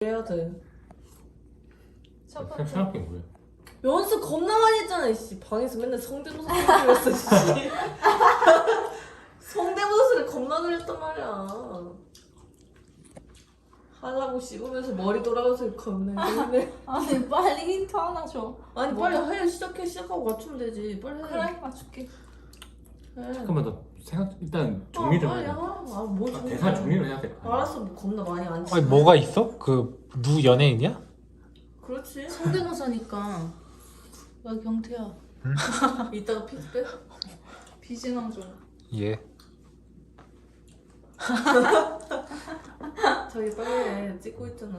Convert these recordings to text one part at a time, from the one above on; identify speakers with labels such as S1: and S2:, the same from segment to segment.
S1: 해야 돼. 첫 번째.
S2: 생각해 뭐야?
S1: 연습 겁나 많이 했잖아, 이씨. 방에서 맨날 성대모사 들렸어, 이씨. 성대모사를 겁나 들렸단 말이야. 하려고 씹으면서 머리 돌아가서 겁나 했는데.
S3: 아니 빨리 힌트 하나 줘.
S1: 아니 빨리 해. 시작하고 맞추면 되지. 빨리 해.
S3: 그래 맞출게.
S1: 해.
S2: 잠깐만 나 생각 일단 정리 좀
S1: 빨리
S2: 해.
S1: 뭐 정리.
S2: 대사 정리를 해야 돼.
S1: 알았어, 뭐 겁나 많이 안 치.
S4: 아니 뭐가 있어? 그 누구 연예인이야?
S1: 그렇지.
S3: 성대모사니까. 야 경태야.
S1: 이따가 피드백.
S3: 비진왕 좀.
S4: 예.
S1: 저기 빨리 해. 찍고 있잖아.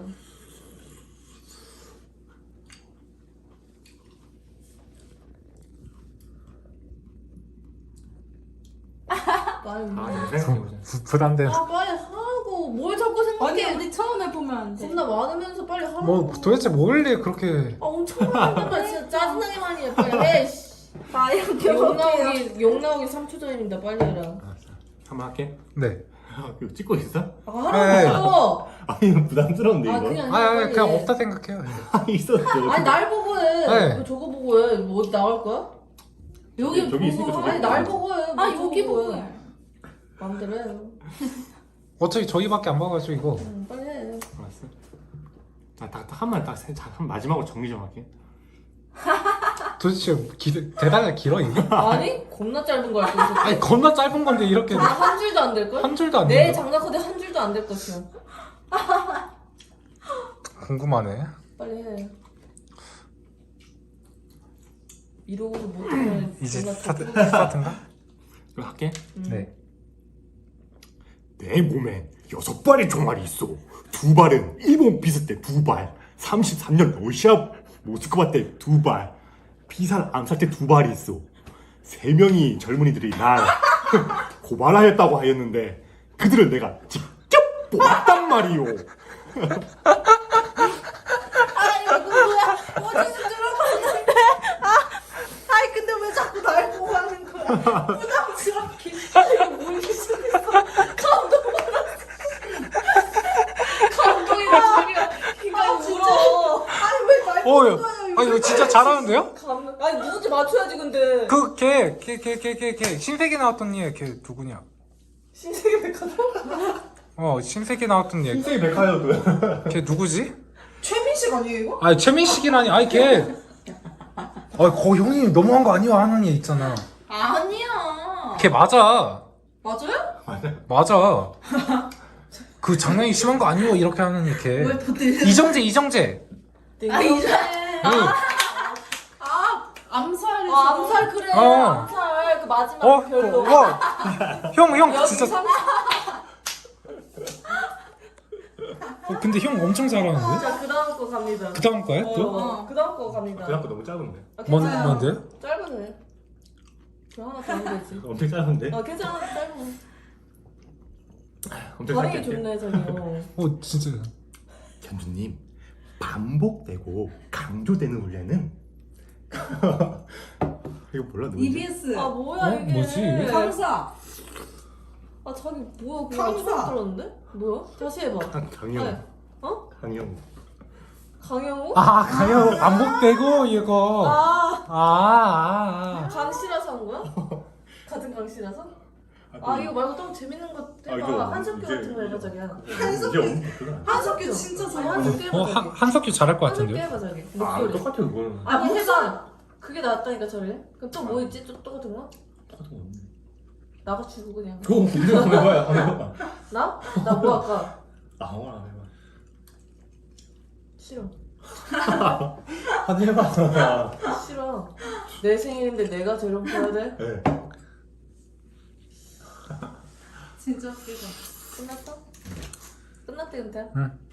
S1: 빨리.
S2: 생각해보자.
S4: 부담된.
S1: 빨리 하고. 뭘 자꾸 생각해.
S3: 아니 우리 처음 해보면 안 돼.
S1: 겁나 많으면서 빨리 하라고.
S4: 뭐 도대체 뭘래 그렇게?
S1: 엄청 많단 말이야. 진짜 짜증나게 많이 해. 빨리 해. 씨.
S3: 나 이렇게
S1: 욕 나오기 3초 전입니다. 빨리 해라.
S2: 알았어. 한번 할게.
S4: 네.
S2: 이거 찍고 있어?
S1: 하라고.
S2: 아니 이거 부담스러운데 이거.
S1: 그냥
S4: 아니
S1: 빨리
S4: 그냥
S1: 해.
S4: 없다 생각해요.
S2: 아니 있었죠.
S1: 아니 날 보고 해.
S4: 네.
S1: 왜 저거 보고 해. 뭐 어디 나올 거야?
S3: 여기
S2: 저기 있으니까
S3: 보고.
S2: 저기
S1: 아니 날 보고 해. 뭐
S3: 아
S1: 저거
S3: 여기 보고
S1: 해.
S3: 해.
S1: 맘대로 해.
S4: 어차피 저희밖에 안 봐가지고 이거.
S1: 빨리 해.
S2: 알았어. 한 마지막으로 정리 좀 할게.
S4: 도대체 대단히 길어 이게?
S1: 아니 겁나 짧은 거야.
S4: 아니 겁나 짧은 건데 이렇게
S1: 한 줄도 안 될 걸?
S4: 한 줄도 안
S1: 내
S4: 돼.
S1: 장난코드 한 줄도 안 될 것이야.
S4: 궁금하네.
S1: 빨리 해. 이러고도 못하면
S4: 이제
S1: 존나
S4: 스타트인가?
S2: 이거 할게.
S4: 네.
S2: 내 몸에 6발의 종아리 있어. 2발은 일본 비스 때 2발, 33년 러시아 모스크바 때 2발, 피살 암살 때 2발이 있어. 3명이 젊은이들이 날 고발하였다고 하였는데 그들을 내가 직접 보았단 말이오.
S3: 아 이거 뭐야? 어디서 들어봤는데? 아이 근데 왜 자꾸 날 보고 하는 거야? 부담스럽게.
S1: 이거 모르기 시작했어. 감동이다 자기가 희가 울어.
S3: 아니 왜날
S4: 어,
S3: 보는
S4: 야.
S3: 거야?
S4: 아니 이거 진짜 잘하는데요?
S1: 아니 누군지 맞춰야지 근데.
S4: 그 걔 신세계 나왔던 얘걔 누구냐?
S1: 신세계 백화점?
S4: 신세계 나왔던 얘.
S2: 인생이 백화여도.
S4: 걔 누구지?
S3: 최민식 아니에요 이거?
S4: 아니 최민식이라니. 아니 걔. 거 형이 너무한 거 아니야 하는 얘 있잖아.
S3: 아니야.
S4: 걔 맞아.
S3: 맞아요?
S4: 맞아. 그 장난이 심한 거 아니오 이렇게 하는 얘 걔.
S3: 왜 보들?
S4: 이정재.
S3: 아 이제.
S4: 응.
S3: 암살이.
S1: 암살 그래.
S4: 어.
S1: 암살 그 마지막 별로.
S4: 형
S1: 여기
S4: 진짜. 근데 형 엄청 잘하는데?
S1: 자 그다음 거 갑니다.
S4: 그 다음 거야 또?
S1: 그다음 거 갑니다.
S2: 그 아까 너무 짧은데.
S1: 괜찮아.
S4: 뭔데요?
S1: 짧으네. 저 하나 더 하면 되지.
S2: 엄청 짧은데?
S1: 괜찮아 짧은.
S2: 엄청
S1: 발음이
S2: 짧게.
S1: 좋네 저기요.
S4: 진짜.
S2: 견주님, 반복되고 강조되는 훈련은 이거 몰라 누구지?
S3: EBS.
S1: 뭐야 이게.
S4: 뭐지?
S3: 강사.
S1: 자기 뭐야 그거
S3: 강사.
S1: 처음 들었는데? 뭐야? 다시 해봐.
S2: 강영.
S1: 네.
S2: 강영.
S1: 강영호?
S4: 강형 반복되고 이거.
S1: 아 강씨라서 한 거야? 같은 강씨라서? 이거 말고 좀 재밌는 거 해봐. 한석규 같은 거 해봐 자기야.
S2: 이제 없는
S3: 한석규 진짜
S1: 아니
S3: 잘해.
S1: 한석규 해봐 자기.
S4: 한석규 잘할 것
S1: 한석규
S4: 같은데요?
S1: 해봐 자기.
S2: 아
S1: 목소리.
S2: 똑같아 그거는.
S1: 아니 해봐.
S3: 목소리.
S1: 그게 낫다니까 저래. 그럼 또 뭐 있지? 또 똑같은 거?
S2: 똑같은 거 없네.
S1: 나가 주고 그냥.
S2: 그거 문제 한번 해봐요. 한번 해봐.
S1: 나? 나 뭐 할까?
S2: 아무거나 한번 해봐.
S1: 싫어.
S2: 한번 해봐.
S1: 싫어. 내 생일인데 내가 저런 거 해야 돼?
S2: 네.
S3: 진짜 웃기다.
S1: 끝났어? 끝났대 근데?
S4: 응.